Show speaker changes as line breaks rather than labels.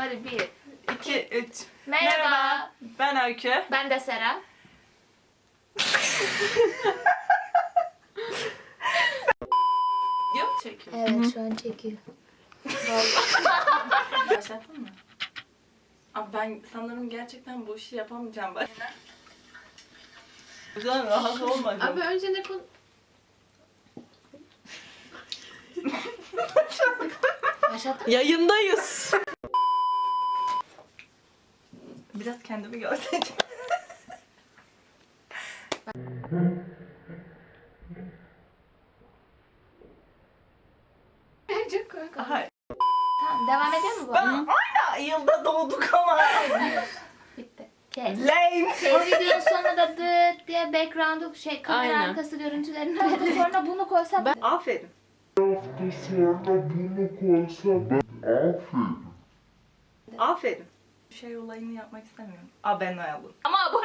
hadi 1,
2, 3.
Merhaba.
Ben Öykü.
Ben de Sera.
Video mu çekiyorsun?
Evet şu an çekiyor.
Başlattın mı? Abi ben sanırım gerçekten bu işi yapamayacağım. Bak. Güzel rahat olmadım.
Abi önce ne konu...
Başlattın.
Yayındayız.
Biraz kendimi görseydim.
Çok komik oldu.
Hayır.
Tamam devam ediyor mu bu?
Ben aynı yılda doğduk ama.
Bitti. Kes.
Lame.
O videonun sonunda da dıt diye background'u kamera
Aynen.
arkası görüntülerini verdi. Sonra bunu koysam
Aferin.
Sonra bunu koysa ben aferin.
Aferin. Şey olayını yapmak istemiyorum. Abone olun.
ama bu